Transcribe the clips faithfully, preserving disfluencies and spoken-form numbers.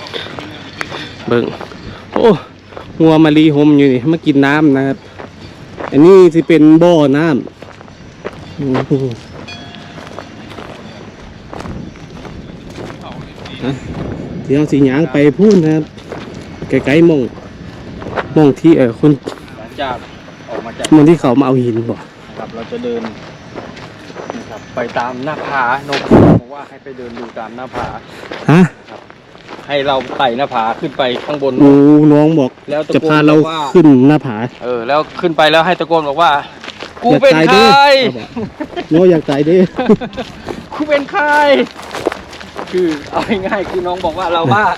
เบิ่งโอ้หัวมารีหมอยู่นี่มากินน้ำนะครับอันนี้จะเป็นบ่อน้ำเดี๋ยวสีหยางไปพูดนะครับไกลๆมองมองที่เออคนจากออกมาจากมองที่เขามาเอาหินบ่ครับเราจะเดินนะครับไปตามหน้าผานกบอกว่าให้ไปเดินดูตามหน้าผาฮะให้เราไต่หน้าผาขึ้นไปข้างบนโอ้น้องบอกจะพาเราขึ้นหน้าผาเออแล้วขึ้นไปแล้วให้ตะโกนบอกว่ากูเป็นใครน้องอยากตายดิกูเป็นใครคือเอาง่ายๆคือน้องบอกว่าเราบ้า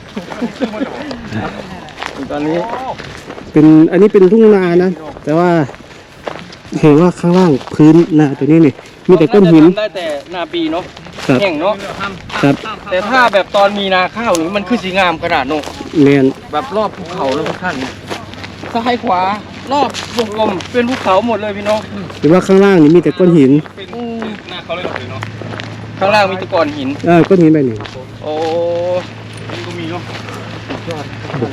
ตอนนี้เป็นอันนี้เป็นทุ่งนานะแต่ว่าเห็นว่าข้างล่างพื้นนาตัวนี้นี่มีแต่ก้อนหินได้แต่นาปีเนาะแห้งเนาะครับแต่ถ้าแบบตอนมีนาข้าวนี่มันคือสีงามขนาดโน้เนียนแบบรอบภูเขาแล้วทุกท่านซ้ายขวารอบวงกลมเป็นภูเขาหมดเลยพี่น้องหรือว่าข้างล่างนี่มีแต่ก้อนหินหน้าเขาเลยเนาะข้างล่างมีแต่ก้อนหินเออก้อนหินไปหนึ่งโอ้นี่ก็มีเนาะยอด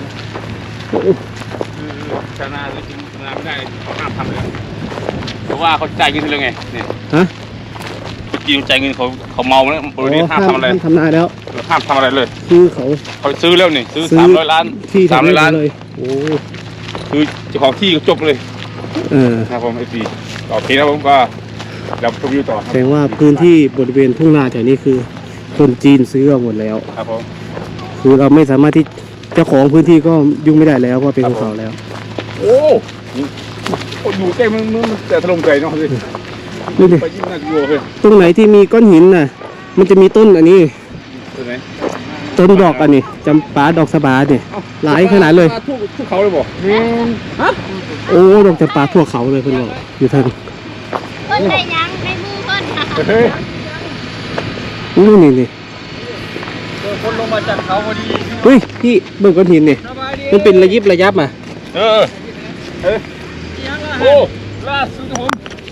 คือชาวนาจริงชาวนาไม่ได้เขาห้ามทำเลยเพราะว่าเขาจ่ายเงินเลยไงเนี่ยฮะเมื่อกี้จ่ายเงินเขาเขาเมาแล้วบริษัทห้ามทำอะไรทำนาแล้วห้ามทำอะไรเลยคือเขาเขาซื้อแล้วนี่ซื้อสามร้อยล้านที่สามร้อยล้านเลยโอ้คือเจ้าของที่ก็จบเลยเออครับผมไอซีต่อทีแล้วผมก็เราชมวิวต่อแสดงว่าพื้นที่บริเวณทุ่งนาแถวนี้คือคนจีนซื้อเอาหมดแล้วครับผมคือเราไม่สามารถที่เจ้าของพื้นที่ก็ยุ่งไม่ได้แล้วเพราะเป็นของเขาแล้วโอ้อยู่ใกล้มันมันแต่ถล่มไกลเนาะสิดูดิตรงไหนที่มีก้อนหินน่ะมันจะมีต้นอันนี้ต้นไหนต้นดอกอันนี้จำปาดอกสบาเนี่ยหลายขนาดเลยทุกทุกเขาเลยบอกฮะโอ้ดอกจำปาทั่วเขาเลยเพื่อนบอกอยู่ทางต้นไหนยังในมือเพื่อนนี่นี่นี่คนลงมาจากเขาพอดีเฮ้ยพี่เบิ่งก้อนหินนี่มันเป็นระยิบระยับมาเออเออโอ้ล่าสุดผม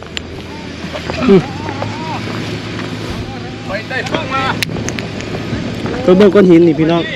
ไปได้เพิ่งมาตัวเบิ่งก้อนหินนี่พี่น้อง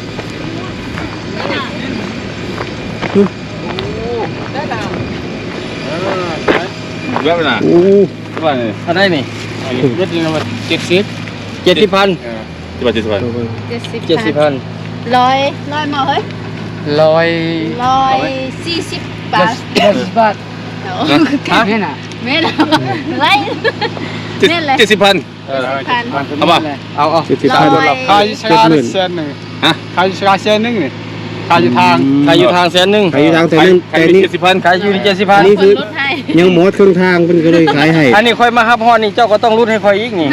เยอะไปนะโอ้เท่าไหร่เนี่ยอะไรนี่เจ็ดสิบเจ็ดสิบเจ็ดสิบพันเจ็ดสิบพันเจ็ดสิบพันร้อยร้อยมาเฮ้ยร้อยร้อยสี่สิบบาทร้อยสิบบาทฮะไม่น่ะไม่น่ะไรนี่เลยเจ็ดสิบพันเอาป่ะเอาเอาเจ็ดสิบพันขายชาติเซนหนึ่งฮะขายชาติเซนหนึ่งนี่ขายอยู่ทางขายอยู่ทางเซนหนึ่งขายอยู่ทางเซนหนึ่งแต่นี่เจ็ดสิบพันขายอยู่ที่เจ็ดสิบพันนี่คือยังหมดครึ่งทางเป็นก็เลยขายให้อันนี้ค่อยมาครับพ่อนี่เจ้าก็ต้องรุดให้ค่อยอีกนี่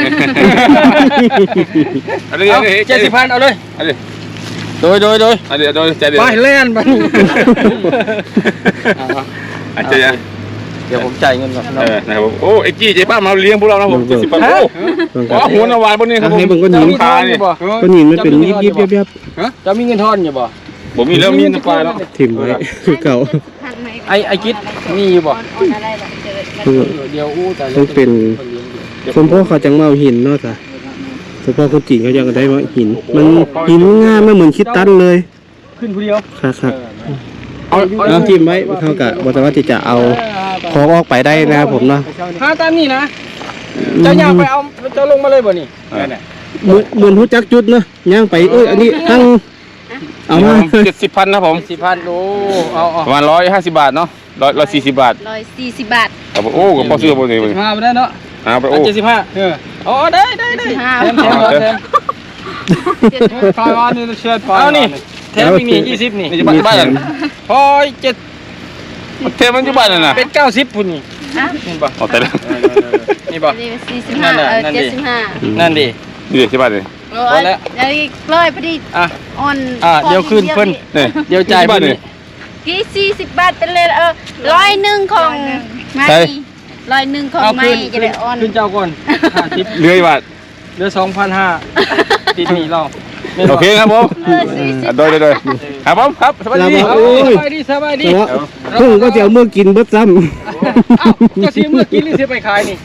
เอาเจ็ดสิบพันเอาเลยโดยโดยโดยเดี๋ยวโดยใจเดียวไปเล่นไปอาจารย์เดี๋ยวผมจ่ายเงินก่อนนะครับโอ้ไอ้จี้ใจป้ามาเลี้ยงพวกเรานะผมเจ็ดสิบพันโอ้โหหัวนาวายบนนี้ครับผมให้เบิ่งก้อนหินขาเนี่ยก้อนหินมันเป็นยิบยิบยับยับจะมีเงินทอนอยู่บ่ผมมีแล้วมีน้ำปลาแล้วถิ่มไว้คือเก่าไอ้ไอ้กิ๊ดมีอยู่บ่เดี๋ยวอู้แต่ต้องเป็นคนพ่อเขาจังเมาหินเนาะจ้ะเฉพาะคนจีนเขายังได้ว่าหินมันหินงามไม่เหมือนคิดตันเลยขึ้นผู้เดียวครับครับเอาเอาจิ้มไว้เท่ากับวัตถุดิบที่จะเอาของออกไปได้นะครับผมเนาะหาตามนี่นะเจ้าย่างไปเอาเจ้าลงมาเลยบ่นี่เหมือนเหมือนหัวจักจุดเนาะย่างไปเอ้ยอันนี้ทั้งเอามาเจ็ดสิบพันนะผมสิบพันโอ้เอาประมาณร้อยห้าสิบบาทเนาะร้อยร้อยสี่สิบบาทร้อยสี่สิบบาทครับโอ้ก็พอซื้อพอซื้อห้าไปได้เนาะห้าไปโอ้เจ็ดสิบห้าเอออ๋อได้ได้ได้แถมแถมแถมคอยวันนี้เชิญไปเอานี่แถมอีกนี่ยี่สิบนี่นี่จะบ้านบ้านพอเจ็ดเทมันอยู่บ้านน่ะนะเป็นเก้าสิบพุ่นนี่นี่บ่เอาแต่ละนี่บ่สี่สิบห้าเจ็ดสิบห้านั่นดินี่ใช่ป่ะนี่พอแล้วเดี๋ยวร้อยพอดีอ่ะอ่อนอ่ะเดี๋ยวขึ้นเพิ่นเดี๋ยวจ่ายเพิ่นกี่สี่สิบบาทเป็นเลยเออร้อยหนึ่งของไม่ร้อยหนึ่งของไม่จะได้อ่อนขึ้นเจ้าก่อนห้าสิบเหลืออีกบาทเหลือสองพันห้าติดหนี้เราโอเคครับผมโดยโดยครับผมครับสบายดีสบายดีสบายดีเพิ่งก็จะเอาเมื่อกินเบิดซ้ำเอ้าเจ้าเสียเมื่อกินหรือเสียไปขายนี่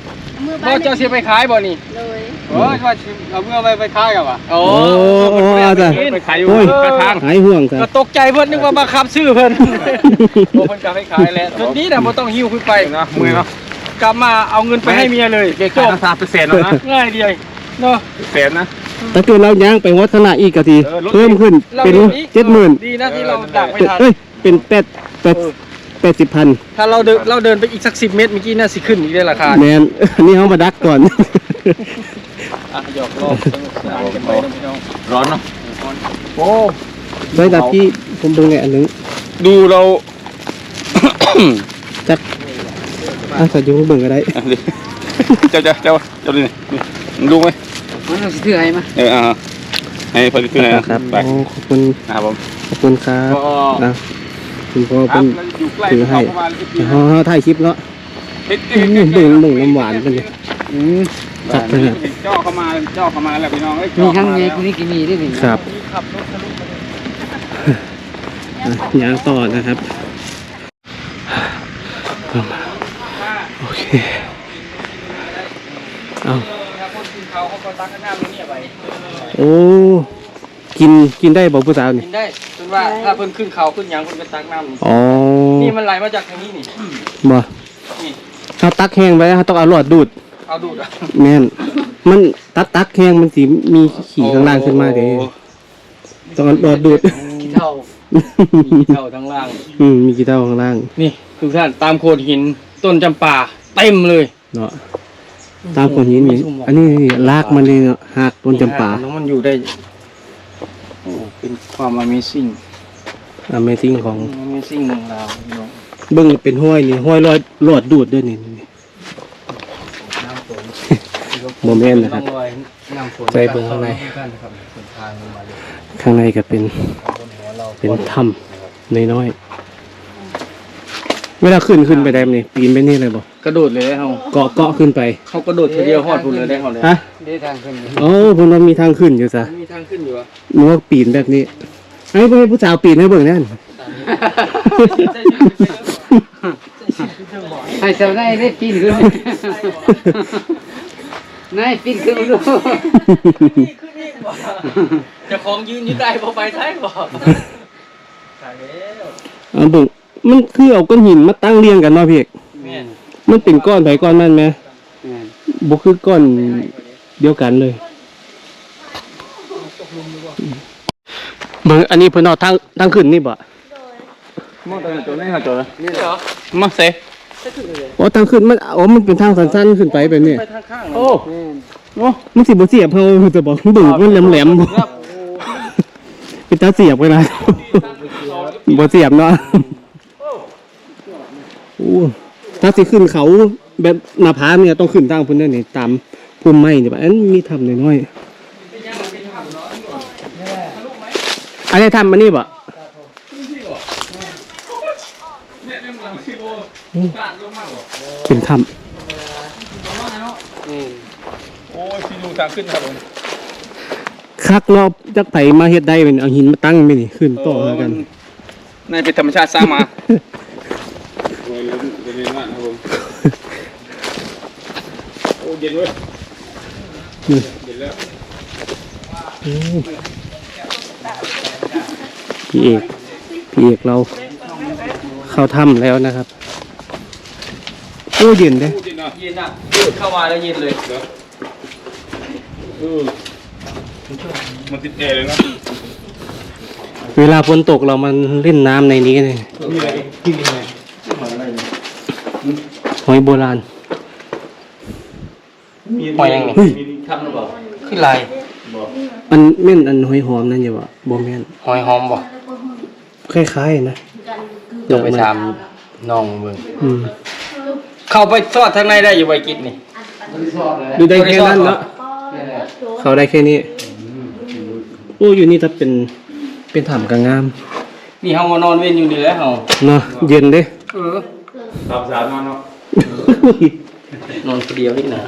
บ่เจ้าเสียไปขายบ่นี่เลยโอ้ยว่าเอาเมื่อไปไปขายกันวะโอ้โหจ้ะไปขายอยู่โอ้ยข้างทางหายห่วงจ้ะก็ตกใจเพิ่นนึกว่าบังคับซื้อเพิ่นโอ้เพิ่นกลับไปขายแล้วทีนี้น่ะบ่ต้องหิ้วขึ้นไปเนาะมือเนาะกลับมาเอาเงินไปให้เมียเลยเก๊กขายราคาเป็นแสนแล้วนะง่ายเดียวเนาะแสนนะถ้าเกิดเราย่างไปวัฒนาอีกกะทีเออลดเพิ่มขึ้นเราเป็นเดี๋ยวนี้เจ็ดหมื่นดีนะที่เราดักไม่ทันเอ้ยเป็นแปดแปดแปดสิบพันถ้าเราเดินเราเดินไปอีกสักสิบเมตรเมื่อกี้น่าสิขึ้นอีกได้ราคาแมน อันนี้เขามาดักก่อนอ่ะหยอกล้อสนุกสนานกันไปนะพี่น้องร้อนเนาะโอ้ได้แต่ที่ผมดูไงอันนึงดูเราจักอ่ะใส่ยุงเบิ่งก็ได้เจ้าเจ้าเจ้าเจ้าดูนี่นี่ดูไหมมันต้องถือให้มาเอออ่าให้พอดีตัวไหนครับไปโอ้ขอบคุณนะครับผมขอบคุณครับอ่ะคุณพ่อครัเป็บนเราอยู่ใกล้ถือให้ประมาณสิบปีเขาเขาถ่ายคลิปเนาะเฮ็ดอืมเบิ่งเบิ่งน้ำหวานเป็นไงอืมจัดไปเลยเจ้าเข้ามาเจ้าเข้ามาแล้วพี่น้องเอ้ยมีทั้งเยกูนี่กินมีได้หนึ่งครับขับรถทะลุมาเลยอ่ะย่างต่อนะครับโอเคเอาถ้าคนกินเขาเขาก็ตักน้ำนี่ไปโอ้กินกินได้บอกผู้สาวนี่กินได้จนว่าถ้าเพิ่นขึ้นเขาขึ้นหยังเพิ่นไปตักน้ำนี่อ๋อนี่มันไหลมาจากทางนี้นี่บ่นี่เขาตักแห้งไว้เขาต้องเอาหลอดดูดเอาดูดอ่ะแม่นมันตักตักแห้งมันสิมีขี่ข้างล่างขึ้นมาเด้ต้องเอาหลอดดูดขี้เท่าขี้เท่าทั้งล่างอืมมีกี่เท่าข้างล่างนี่ทุกท่านตามโขดหินต้นจำปาเต็มเลยเนาะตามคนนี้นี่อันนี้ลากมันเลยเนาะหักต้นจำปาแล้วมันอยู่ได้โอ้เป็นความ Amazing Amazing ของ Amazing ของเราพี่น้องเบิ่งเป็นห้อยนี่ห้อยลอยหลอดดูดด้วยนี่นี่น้ำฝนโมเมนต์นะครับองอยน้ำฝนใจเบิ่งข้างในท่านนะครับเป็นทางลงมาเลยข้างในก็เป็นบนหัวเราเป็นถ้ำน้อยๆเวลาขึ้นขึ้นไปได้มั้ยนี่ปีนไปนี่เลยบ่กระโดดเลยเฮาเกาะเกาะขึ้นไปเขากระโดดทีเดียวฮอดพุ่นเลยได้เฮาเลยฮะได้ทางขึ้นอยู่โอ้ผมว่ามีทางขึ้นอยู่ซะมีทางขึ้นอยู่อ่ะนึกว่าปีนแบบนี้ไอ้พ่อผู้สาวปีนให้เบิ่งนั่นใส่เสาได้ได้ปีนขึ้นนายปีนขึ้นดูจะของยืนอยู่ได้บ่ไปท้ายบ่ตายแล้วเอาเบิ่งมันคือเอาก้อนหินมาตั้งเรียงกันเนาะพี่เอกแม่นมันเป็นก้อนไผก้อนมันไหมบ่คือก้อนเดียวกันเลยเบิ่งอันนี้เพิ่นเอาทางทางขึ้นนี่บ่มองตัวนี้ตัวนี้ค่ะตัวนี้นี่เหรอมาเซ่อ๋อทางขึ้นมันอ๋อมันเป็นทางสั้นๆขึ้นไปแบบนี้ไปทางข้างโอ้โอ้มันสิบ่เสียบเฮาจะบอกเบิ่งมันแหลมๆบ่เป็นตาเสียบเวลาบ่เสียบเนาะโอ้ถ้าสิขึ้นเขาแบบหน้าผาเนี่ยต้องขึ้นทางพุ่นนั่นนี่ตามพุ่มไม้นี่บ่อันมีถ้ำน้อยๆอันนี้ถ้ำมันนี่บ่เป็นถ้ำโอ้ยพี่ดูทางขึ้นครับผมคักรอบจักไผมาเฮ็ดได้เป็นเอาหินมาตั้งไปนี่ขึ้นต่อหากันในเป็นธรรมชาติสร้างมาโอ้ยเย็นมากครับผมโอ้เย็นเว้ยนี่เย็นแล้วพี่เอกพี่เอกเราเข้าถ้ำแล้วนะครับโอ้เย็นเด้พูดจริงเนาะเย็นอ่ะเข้ามาแล้วเย็นเลยเออมันติดแอร์เลยนะเวลาฝนตกเรามันเล่นน้ำในนี้เลยมีอะไรกินอะไรหอยโบราณหอยยังไงเฮ้ยทำหรือเปล่าขึ้นลายอันแม่นอันหอยหอมนั่นอย่าวะบ่แม่นหอยหอมบ่คล้ายๆนะต้องไปถามน้องเบิ่งอืมเข้าไปซอดทางในได้อยู่ใบกิจนี่ดูได้แค่นั้นเนาะเขาได้แค่นี้โอ้อยู่นี่ถ้าเป็นเป็นถ้ำกลางงามนี่เฮามานอนเว้นอยู่นี่แหล้วเฮาเนาะเย็นเด้เออสามสามนอนเนาะนอนคนเดียวนี่นะ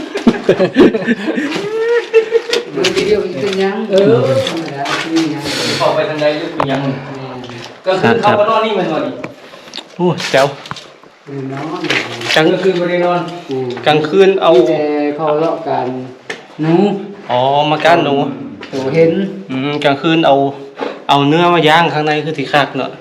มันเดียวเป็นยังเออธรรมดาเป็นยังเข้าไปทางใดลึกเป็นยังก็คือเข้ามานอนนี่มันนอนนี่โอ้แจ๋วน้องกลางก็คือบ่ได้นอนกลางคืนเอาแต่เขาเลาะกันหนูอ๋อมาก้านหนูตัวเห็นอืมกลางคืนเอาเอาเนื้อมาย่างข้างในคือสิคักเนาะ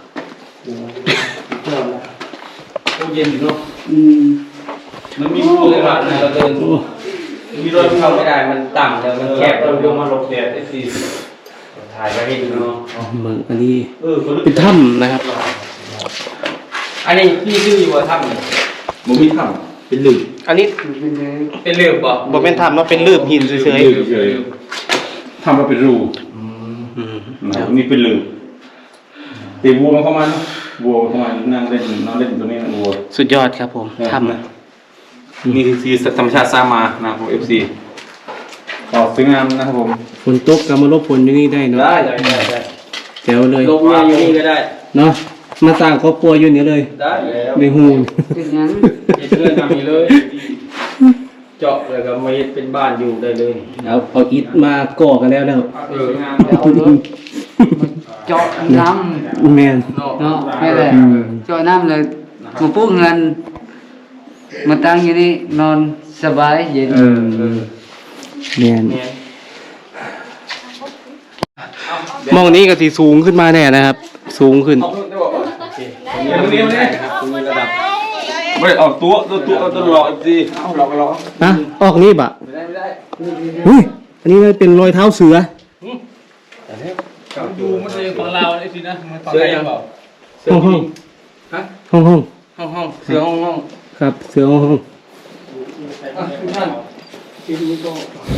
ตู้เย็นอยู่เนาะอืมมันมีรูเลยว่ะเราเดินมีรถเข้าไม่ได้มันต่ำแล้วมันแคบเราเดี๋ยวมาหลบแดดไอ้สิถ่ายไปให้ดูเนาะเมืองอันนี้เออเป็นถ้ำนะครับอันนี้พี่ชื่ออยู่ว่าถ้ำนี่มันมีถ้ำเป็นหลืบอันนี้เป็นเรือบ่บ่เป็นถ้ำเนาะเป็นลืบหินเฉยเฉยๆทำมาเป็นรูๆอืมนะครับนี่เป็นหลืบตีวัวมันเข้ามาเนอะวัวเข้ามานั่งเล่นนอนเล่นตรงนี้นะวัวสุดยอดครับผมถ้ำนะนี่คือสีธรรมชาติสร้างมานะครับผมเอฟซีออกสวยงามนะครับผมฝนตกก็มาลบฝนอยู่นี่ได้เนาะได้ได้ได้ได้แจ๋วเลยลงมาอยู่นี่ก็ได้เนาะมาสร้างครอบครัวอยู่นี่เลยได้แล้วในหูเป็นหยังเฮ็ดเพื่อนทำนี้เลย เจาะเลยก็มาเฮ็ดเป็นบ้านอยู่ได้เลยเอาเอาอิฐมาก่อกันแล้วแล้วเออแล้วเอารถเจาะน้ำแม่นเนาะแม่แหละเจาะน้ำเลยมาปลูกเงินมาตั้งอยู่นี่นอนสบายเย็นเออแม่นเนี่ยมองนี้ก็สิสูงขึ้นมาแน่นะครับ สูงขึ้นเอาเพิ่มได้บ่โอเคเนี่ยตรงนี้ตรงนี้ตรงนี้ระดับไม่ได้ออกตัวตัวตัวตัวหลอกเอฟซีเอาหลอกหลอกฮะออกนี่บะไม่ได้ไม่ได้เฮ้ยอันนี้มันเป็นรอยเท้าเสือดูมันเลยของเราไอ้สินะมันของใครเปล่าเสือห้องห้องฮะห้องห้องห้องห้องเสือห้องห้องครับเสือห้องห้องอ่ะทุกท่านที่ดูก็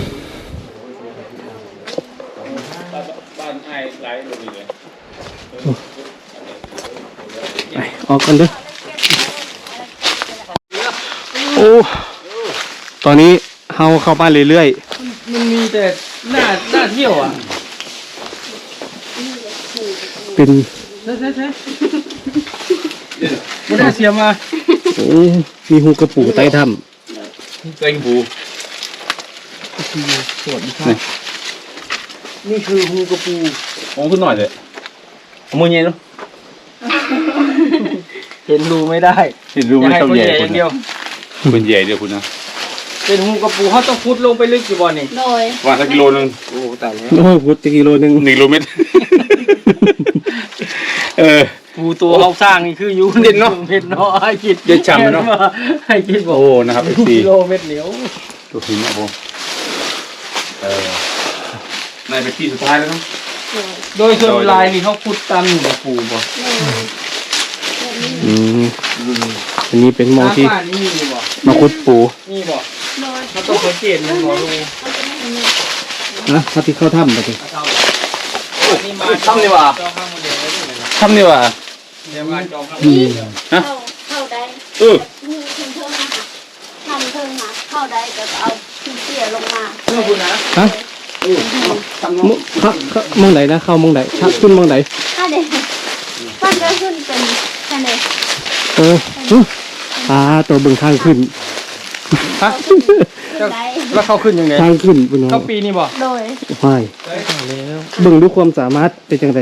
บ้านไอ้ไหลลงเลยไปออกกันเด้อโอ้ตอนนี้เฮาเข้าบ้านเรื่อยมันมีแต่หน้าหน้าเที่ยวอ่ะๆเป็นใช่ใช่ใช่ไม่ได้เสียมาโอ้มีหูกระปูใต้ถ้เต็งผูนี่คือฮูกระปูมองขึ้นหน่อยเลยเอามือเย็นเนาะเห็นรูไม่ได้เห็นรู้ไหมให้เท่าคนใหญ่ใหญ่อคุย่าณงเดียวคุณใหญ่เดียวคุณนะเป็นฮูกระปูเขาต้องพุดลงไปลึกอยู่บ่อนี่โดยว่าสักกิโลนึงโอ้ตายแล้วำโอ้ยพุทธกิโลหนึงหนึ่งกิโลเมตรเออปูตัวเขาสร้างนี่คืออยู่เด่นเนาะเผ็ดเนาะให้คิดเด่นฉ่ำเนาะให้คิดบอกโอ้นะครับเอฟซีกิโลเมตรเหนียวตัวหินนะผมเออในเป็นที่สุดท้ายแล้วเนาะโดยส่วนลายนี่เขาพุดตามอยู่กับปูบ่อืมอันนี้เป็นหมองที่น้ำป่านี่มีบ่มาคุดปูมีบ่โดยเขาต้องสังเกตมันบ่รู้นะเขาที่เข้าถ้ำไปดินี่มาทำดีกว่าจองข้างมันเดียวไว้ด้วยนะทำดีกว่าเดี๋ยวมาจองข้างนี่เข้าเข้าได้เออนี่เพิ่งเพิ่งมาทำเพิ่งมาเข้าได้แต่ก็เอาขี้เกียจลงมาเพื่อคุณนะฮะมเข้าเข้ามองไหนนะเข้ามองไหนชักขึ้นมองไหนถ้าเด็กฟันก็ขึ้นเป็นแค่นี้เออเอ้ออ่าตัวเบิ่งทางขึ้นฮะได้แล้วเขาขึ้นยังไงทางขึ้นเป็นน้อเขาปีนี่บ่โดยไม่ เบิ่งด้วยความสามารถเป็นจังได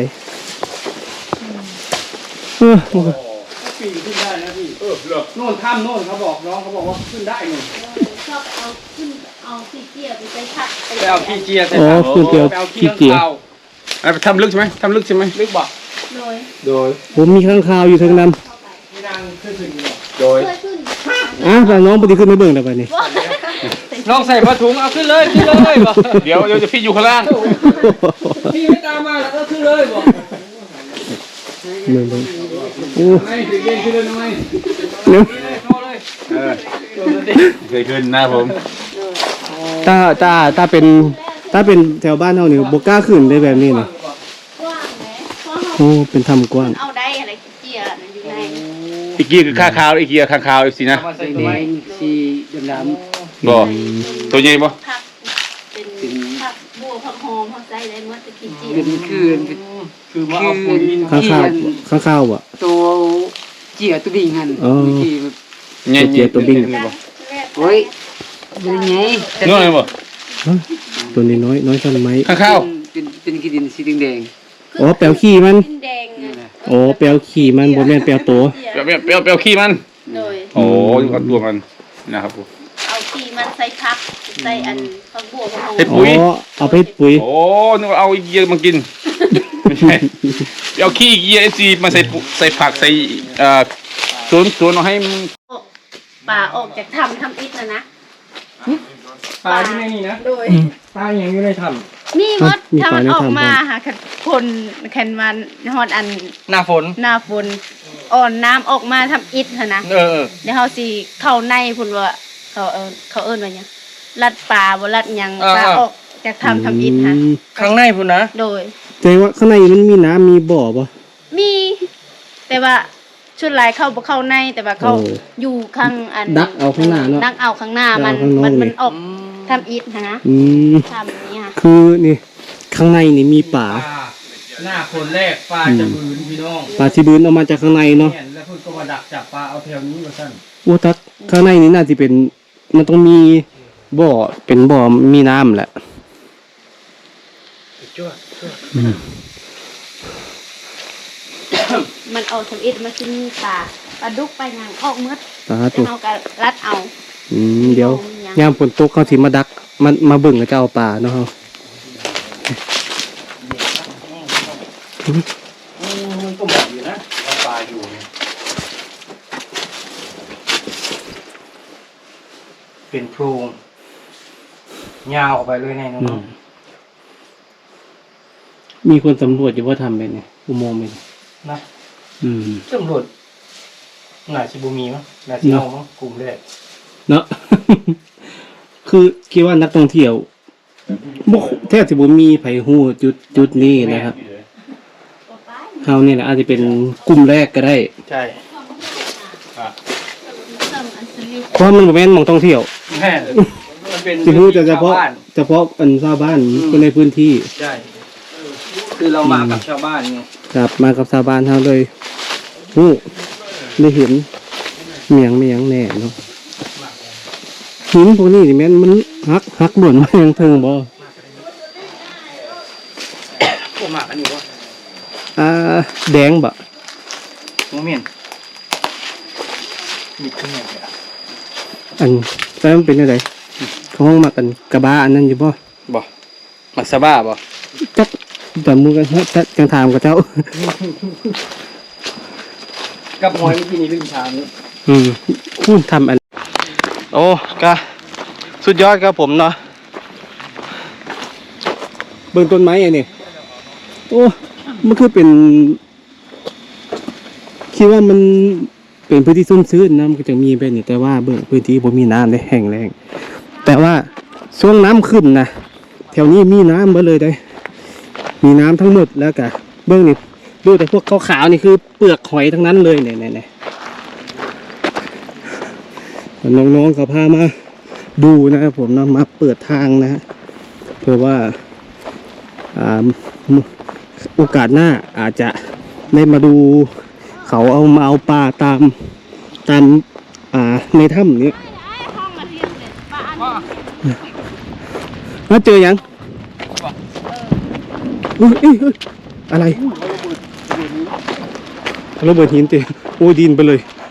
เออมันก็ปีขึ้นได้นะพี่เออเหรอโน่นถ้ำโน่นเขาบอกน้องเขาบอกว่าขึ้นได้หนึ่งชอบเอาขึ้นเอาขี้เกียจไปใช้ผักไปเอาขี้เจียใส่อ๋อถังคือเดียวไปเอาขี้ขี้เกียจข้างคาวอ่ะทำลึกใช่ไหมทำลึกใช่ไหมลึกบ่โดยโดยผมมีข้างคาวอยู่ทางนั้นที่นั่งขึ้นขึ้นอยู่โดยเพื่อขึ้นอ่ะแต่น้องปฏิขึ้นไม่เบิ่งได้ไปนี่น้องใส่ผ้าถุงเอาขึ้นเลยขึ้นเลยบ่เดี๋ยวเดี๋ยวจะพี่อยู่ข้างล่างพี่ไม่ตามมาแล้วก็ขึ้นเลยบ่เบิ่งเบิ่งโอ้ไม่ถึงเย็นขึ้นเลยทำไมเนาะโชว์เลยเออโชว์เลยดิเคยขึ้นนะผมถ้าถ้าถ้าเป็นถ้าเป็นแถวบ้านเฮานี่บ่กล้าขึ้นได้แบบนี้นะกว้างไหมเพราะโอ้เป็นถ้ำกว้างเอาได้อะไรขี้เกียจน่ะอยู่ในอีกกี้คือข้าขาวอีกกี้ข้างขาวเอฟซีนะเอามาใส่แดตัวไม้งสีดำบ่ตัวใหญ่บ่ผักเป็นผักบัวผักหอมผักไส้ได้หมดแต่ขี้เกียๆเป็นจคือคือมาเอาปุ๋ยข้างข้าวข้างข้าวอ่ะตัวเจียตัวดิ่งหันอ๋อเมื่อกี้แบบใหญ่ตัวเจี๊ยบตัวบิ้งโอ้ยเป็นไงน้อยบ่ฮะตัวนี้น้อยน้อยชั้นไหมข้างขาวเป็นเป็นกีดินสีแดงอ๋อแปลวขี้มันขึ้นแดงอ่ะอ๋อแปลวขี้มันบ่แม่นแปลวโตเปรี้ยวเปรี้ยวเปรี้ยวขี้มันโดยโอ้ยเอาตัวมันนะครับผมเอาขี้มันใส่ผักใส่อันผักบัวผักเฮ็ดหปุ๋อมยอ๋อเอาไปปุ๋ยโอ้นึกว่าเอาอีเกียมากิน ไม่ใช่เอาขี้อีเกียเอซีมาใส่ปุ๋ใส่ผักใส่เอ่อสวนสวนเอาให้มันป่าออกจากถ้ำทำอิฐนะนะปลาที่ในนี่นะโดยปลาอย่างอยู่ในถ้มีมดมีถ้าปลามันในออกถ้ำมาครับหาคันคนแคนมันฮอดอันำหน้าฝนหน้าฝนอ่อนน้ำออกมาทำอิฐหั่นนะเออเดี๋ยวเฮาสิเข้าในพุ่นว่าเขาเอิ้นเขาเอิ้นว่าหยังลัดปลาบ่ลัดหยังปลาออกจากถ้ำทำอิฐฮะอืมข้างในพุ่นนะโดยแต่ว่าข้างในมันมีน้ำมีบ่อป่ะมี แต่ว่าชุดหลายเข้าบ่เข้าในแต่ว่าเขาโอ้อยู่ข้างอันดักเอาข้างหน้าเนอะดักเอาข้างหน้ามันดักเอาข้างนอกมันนี่มันออกทำอิฐหั่นนะอืมทำนี้ค่ะคือนี่ข้างในนี่มีป่าหน้าฝนแรกปลาจะบืนพี่น้องป่าที่บืนออกมาจากข้างในเนาะเนี่ยแล้วเพิ่นก็มาดักจับปลาเอาแถวนี้มาสั่นโอ้ทักข้างในนี่น่าจะเป็น มันต้องมีบ่อเป็นบ่อมีน้ำแหละจ้วจ้วอืมมันออกทำอิฐมันสิมีปลาปลาดุกไปหยังออกหมดสาแล้วธุเฮาก็รัดเอาอืมเดี๋ยวยามฝนตกเขาสิมาดักมันมาเบิ่งกับเจ้าป่าเนาะเฮามันก็เหมาะอยู่นะเอาปลาอยู่เนี่ยเป็นโพรงยาวออกไปเลยในน้อืองมมีคนสำรวจอยู่ว่าทำเป็นไงอุโมงค์เป็นไงๆนะอืมตำรวจน่าสิบ่มีมั้งน่าสิเอามั้งกลุ่มแรกเนาะ คือคิดว่านักท่องเที่ยวบ่แทบสิบ่มีไผฮู้จุดจุดนี้นะครับเฮานี่แหละอาจจะเป็นกลุ่มแรกก็ได้ใช่เติมอันสลิปเพราะมันบ่แม่นหม่องท่องเที่ยวแม่มันเป็นสิฮู้แต่เฉพาะชวบ้นเฉพาะอันชาวบ้านคนในพื้นที่ใช่ คือเรามากับชาวบ้านไงครับมากับชาวบ้านเฮาเลยฮู้ได้เห็นเมียงเมียงแน่เนาะหินพวกนี้นี่แม่นมันหักหักหล่นมาอย่างเทิงบ่พวกหมากอันนี้วะอ่าแดงบ่โมเมนมีขึ้นมาเลยอะอันแต่มันเป็นจังไดเขาห้องมักกันกระบะอันนั้นอยู่บ่บ่มักซาบ้าบ่จักจับมือกันฮะจักจังถามกับเจ้ากับมวยเมื่อกี้นี้ลืมถามนี่อืมคุณทำอันโอ้กะสุดยอดครับผมเนาะเบิ่งต้นไม้อันนี้โอ้มันคือเป็นคิดว่ามันเป็นพื้นที่ซุ่มชื้นนะมันก็จะมีไปนี่แต่ว่าเบิ่งพื้นที่บ่มีน้ำได้แห้งแล้งแต่ว่าช่วงน้ำขึ้นนะแถวนี้มีน้ำเบิดเลยได้ มีน้ำทั้งหมดแล้วกะเบื้องนี่ดูแต่พวกขาวๆนี่คือเปลือกหอยทั้งนั้นเลยเนี่ยเนี่ยน้องๆเขาพามาดูนะครับผมนะมาเปิดทางนะฮะเพื่อว่าอ่าโอกาสหน้าอาจจะได้มาดูเขาเอามาเอาปลาตามตามอ่าในถ้ำนี้ห้องมาเรียนเลยปลาอันนี้แล้วเจอยังเอ้ยเอ้ยเอ้ยอะไรระเบิดหินเต็มโอ้ยดินไปเลย